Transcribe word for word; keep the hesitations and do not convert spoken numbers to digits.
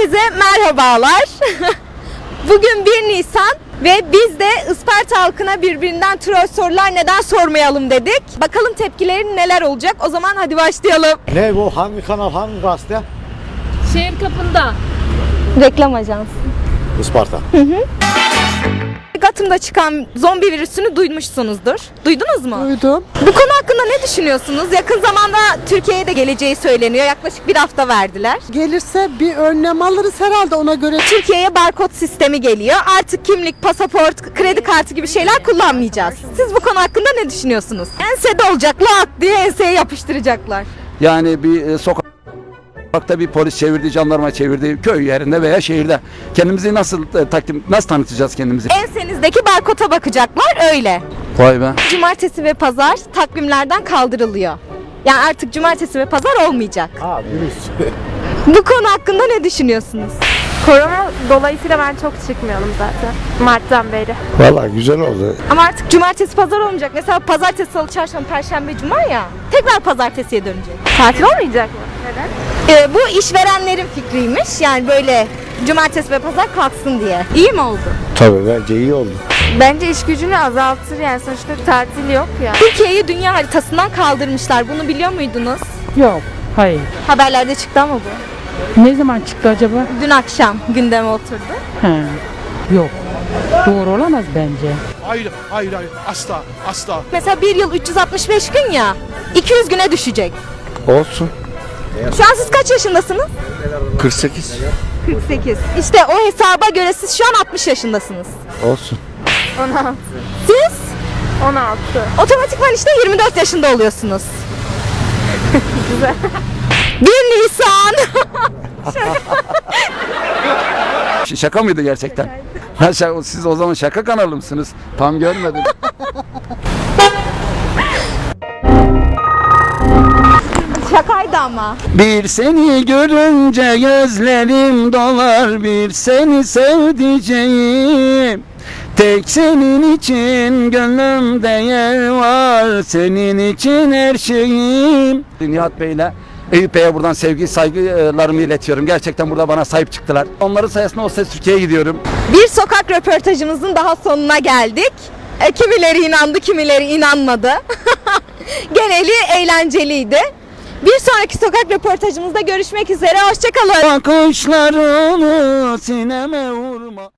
Herkese merhabalar. Bugün bir Nisan ve biz de Isparta halkına birbirinden troll sorular neden sormayalım dedik. Bakalım tepkilerin neler olacak. O zaman hadi başlayalım. Ne bu? Hangi kanal, hangi gazete? Şehir kapında. Reklam ajansı. Isparta. Gatım'da çıkan zombi virüsünü duymuşsunuzdur. Duydunuz mu? Duydum. Bu konu hakkında ne düşünüyorsunuz? Yakın zamanda Türkiye'ye de geleceği söyleniyor. Yaklaşık bir hafta verdiler. Gelirse bir önlem alırız herhalde ona göre. Türkiye'ye barkod sistemi geliyor. Artık kimlik, pasaport, kredi kartı gibi şeyler kullanmayacağız. Siz bu konu hakkında ne düşünüyorsunuz? Ensede olacak, lak diye enseye yapıştıracaklar. Yani bir e, sokakta bir polis çevirdi, jandarma çevirdi, köy yerinde veya şehirde. Kendimizi nasıl e, takdim, nasıl tanıtacağız kendimizi? Ensenizdeki barkoda bakacaklar öyle. Vay be. Cumartesi ve pazar takvimlerden kaldırılıyor. Yani artık cumartesi ve pazar olmayacak. Ha virüs. Bu konu hakkında ne düşünüyorsunuz? Korona dolayısıyla ben çok çıkmıyorum zaten. Mart'tan beri. Valla güzel oldu. Ama artık cumartesi pazar olmayacak. Mesela pazartesi, salı, çarşamba, perşembe, cuma ya. Tekrar pazartesiye dönecek. Tatil olmayacak mı? Neden? Ee, bu işverenlerin fikriymiş. Yani böyle cumartesi ve pazar kalksın diye. İyi mi oldu? Tabii bence iyi oldu. Bence iş gücünü azaltır yani sonuçta tatil yok ya. Türkiye'yi dünya haritasından kaldırmışlar. Bunu biliyor muydunuz? Yok, hayır. Haberlerde çıktı ama bu. Ne zaman çıktı acaba? Dün akşam gündeme oturdu. He, yok. Doğru olamaz bence. Hayır, hayır, hayır. Asla, asla. Mesela bir yıl üç yüz altmış beş gün ya. iki yüz güne düşecek. Olsun. Şu an siz kaç yaşındasınız? kırk sekiz. kırk sekiz. İşte o hesaba göre siz şu an altmış yaşındasınız. Olsun. on altı. Siz on altı. otomatikman işte yirmi dört yaşında oluyorsunuz. Güzel. bir Nisan. Ş- Şaka mıydı gerçekten? Ha, şaka- siz o zaman şaka kanalı mısınız? Tam görmedim. Şakaydı ama. Bir seni görünce gözlerim dolar, bir seni sevdiceğim. Tek senin için gönlümde yer var, senin için her şeyim. Nihat Bey'le Eyüp Bey'e buradan sevgi saygılarımı iletiyorum. Gerçekten burada bana sahip çıktılar. Onların sayesinde O Ses Türkiye'ye gidiyorum. Bir sokak röportajımızın daha sonuna geldik. E, kimileri inandı, kimileri inanmadı. Geneli eğlenceliydi. Bir sonraki sokak röportajımızda görüşmek üzere. Hoşçakalın. Bakışlarını sineme vurma.